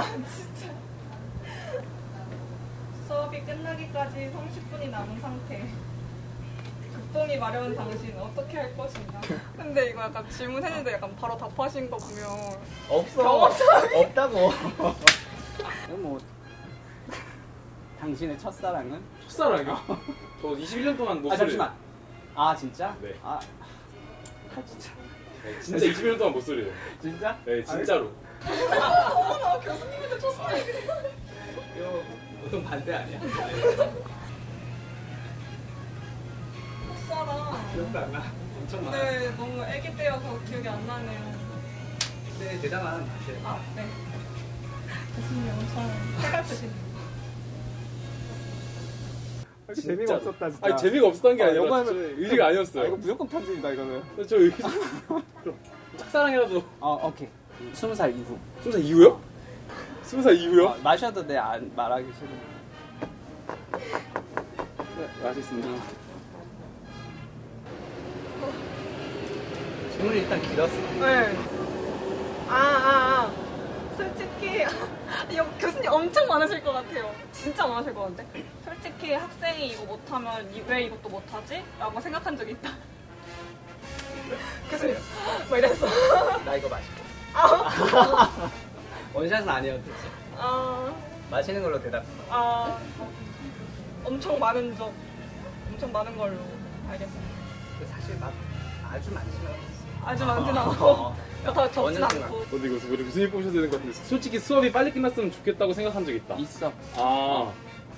진짜. 수업이 끝나기까지 30분이 남은 상태. 극동이 마려운 당신 어떻게 할 것인가? 근데 이거 약간 질문했는데 약간 바로 답하신 거 보면 없어. 없다고. 뭐 당신의 첫사랑은? 첫사랑이요? 저 21년 동안 못 아 소리. 잠시만. 아 진짜? 네. 아 진짜. 네, 진짜 21년 동안 못 소리예요. 진짜? 네, 진짜로. 나 교수님한테 쳤어. 이거 보통 반대 아니야? 첫사랑. 기억도 안 나. 엄청 많아. 근데 너무 애기 때여서 기억이 안 나네요. 근데 대담한 맛이에요. 아, 네. 교수님 엄청 해갈프시네요. 재미가 없었다 진짜. 아니 재미가 없었던 게 아니라 영화는- 진짜 의지가 아니었어요. 아, 이거 무조건 편집이다 이거는. 저 의지. 짝사랑이라도. 오케이. 20살 이후. 20살 이후요? 20살 이후요? 마셔도 돼. 안 말하기 싫어. 네, 맛있습니다. 질문이 일단 길었어. 네. 솔직히 이거 교수님 엄청 많으실 것 같아요. 진짜 많으실 것 같은데. 솔직히 학생이 이거 못하면 왜 이것도 못하지? 라고 생각한 적이 있다. 교수님 뭐 이랬어. 나 이거 마실게. 아, 원샷은 아니어도 되지. 아, 마시는 걸로 대답. 아, 엄청 많은 적, 엄청 많은 걸로 알겠습니다. 사실 막 아주 많지는 않았어. 아주 많진 않고 더 적진 어느 않고. 근데 이거 우리 교수님 뽑으셔야 되는 것 같은데 솔직히 수업이 빨리 끝났으면 좋겠다고 생각한 적 있다. 있어. 아.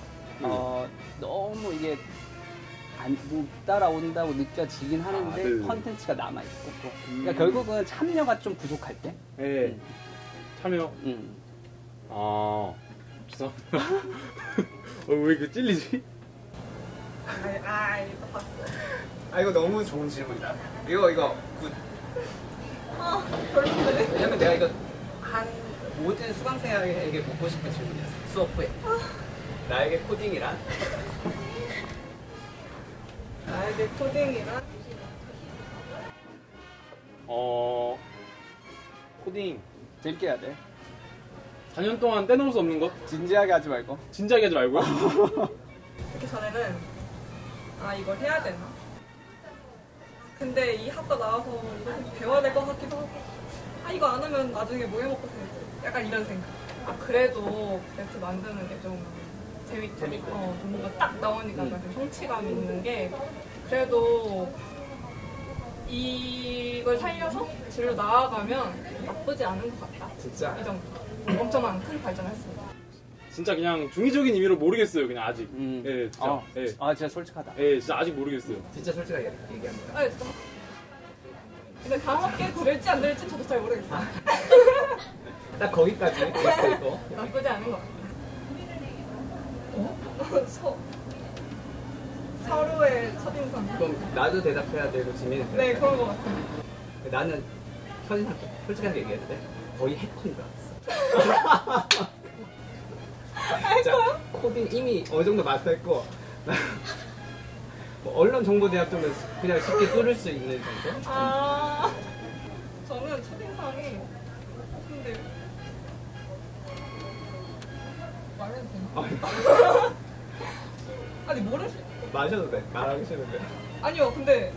너무 이게 못 따라온다고 느껴지긴 하는데 네네. 컨텐츠가 남아있고 또. 그러니까 결국은 참여가 좀 부족할 때. 네. 참여. 음. 죄송합니다. 왜 이렇게 찔리지? 이거 봤어. 아 이거 너무 좋은 질문이다. 이거 굿. 아, 별론데. 왜냐면 내가 이거 한 모든 수강생에게 묻고 싶은 질문이었어. 수업 후에. 나에게 코딩이란? 나에게 코딩이란? 코딩. 재밌게 해야 돼. 4년 동안 떼놓을 수 없는 것? 진지하게 하지 말고. 진지하게 하지 말고요. 이렇게 전에는 이걸 해야 되나? 근데 이 학과 나와서 이렇게 배워야 될 것 같기도 하고 이거 안 하면 나중에 뭐 해먹고 살지? 약간 이런 생각. 그래도 랩트 만드는 게 좀 재밌고 뭔가 딱 나오니까 좀 성취감 있는 게 그래도 이걸 살려서 진로 나아가면 나쁘지 않은 것 같다. 진짜? 이 정도. 엄청난 큰 발전을 했습니다. 진짜 그냥 중의적인 의미로 모르겠어요. 그냥 아직. 예, 진짜. 진짜 솔직하다. 예, 진짜 아직 모르겠어요. 진짜 솔직하게 얘기합니다. 진짜. 근데 다음 학기에 들을지 안 들을지 저도 잘 모르겠어요. 딱 거기까지 됐어 이거. 나쁘지 않은 것 같아요. 서로의 첫인상. 그럼 나도 대답해야 되고 지민이 대답. 네, 그런 것 같아요. 나는 첫인상 솔직하게 얘기했을 때 거의 해커인 줄 알았어. 진짜 코딩 이미 어느 정도 마스터했고 뭐 언론 정보대학 정도 그냥 쉽게 뚫을 수 있는 정도? 저는 첫인상이 근데 말해도 되나? 아니 모를 수 마셔도 돼. 말하기 싫은데. 아니요 근데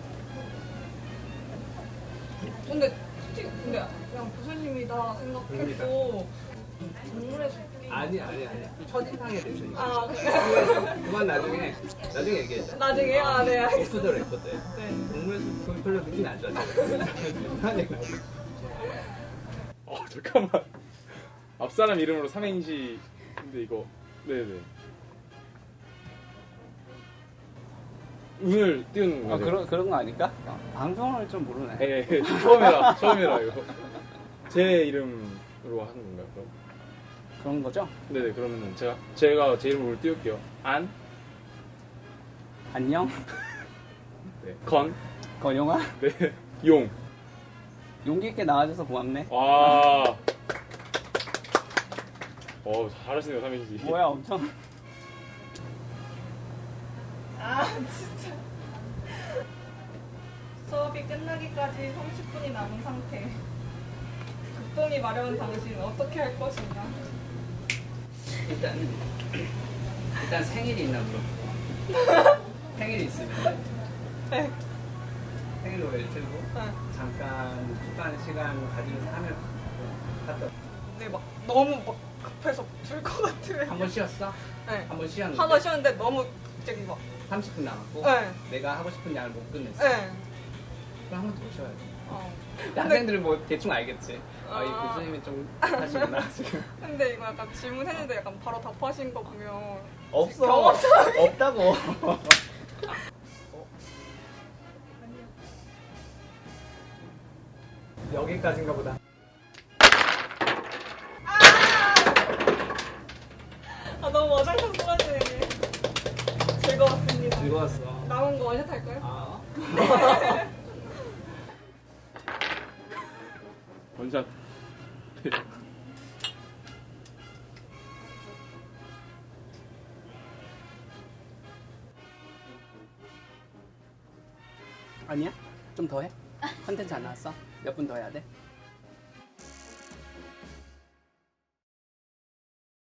솔직히 그냥 교수님이다 생각했고 동물의 숲기 아니야. 첫인상에 대해서 얘기해. 그래. 그건 나중에 얘기해줘. 나중에 네 알겠습니다. 오프더 레코드. 네. 동물에서 그건 별로 느낌이 안 좋았어. 이상한 얘기 나오고. 잠깐만. 앞사람 이름으로 삼행시. 근데 이거. 네네. 운을 띄우는 거죠. 그런 거 아닐까? 방송을 좀 모르네. 예, 처음이라 이거. 제 이름으로 하는 건가요, 그럼? 그런 거죠? 네네, 그러면은 제가 제 이름으로 띄울게요. 안녕. 네, 건영아. 네, 용. 용기 있게 나와줘서 고맙네. 와. 잘하시네요, 삼행시. 뭐야 엄청. 진짜. 수업이 끝나기까지 30분이 남은 상태. 뒷동이 마려운 당신 어떻게 할 것인가? 일단 생일이 있나 물어보고 생일이 있으면 네. 생일 노래를 틀고 네. 잠깐 축하하는 시간 가지면서 하면 갔다 근데 막 너무 막 급해서 줄 것 같으면. 한 번 쉬었어? 네. 한 번 쉬었는데 하나 쉬었는데 너무 갑자기 막. 30분 남았고 네. 내가 하고 싶은 양을 못 끝냈어. 네. 그럼 한 번 더 쉬어야지. 어. 학생들은 뭐 대충 알겠지. 아, 이 아. 교수님이 좀 하시구나 지금. 근데 이거 약간 질문했는데 약간 바로 답하신 거 보면 없어. 경험상 없다고. 여기까지인가 보다. 아 너무 어장판 쏟아지네. 즐거웠습니다. 즐거웠어. 남은 거 원샷 할까요? 아. 원샷. 아니야? 좀 더 해? 컨텐츠 안 나왔어? 몇 분 더 해야 돼?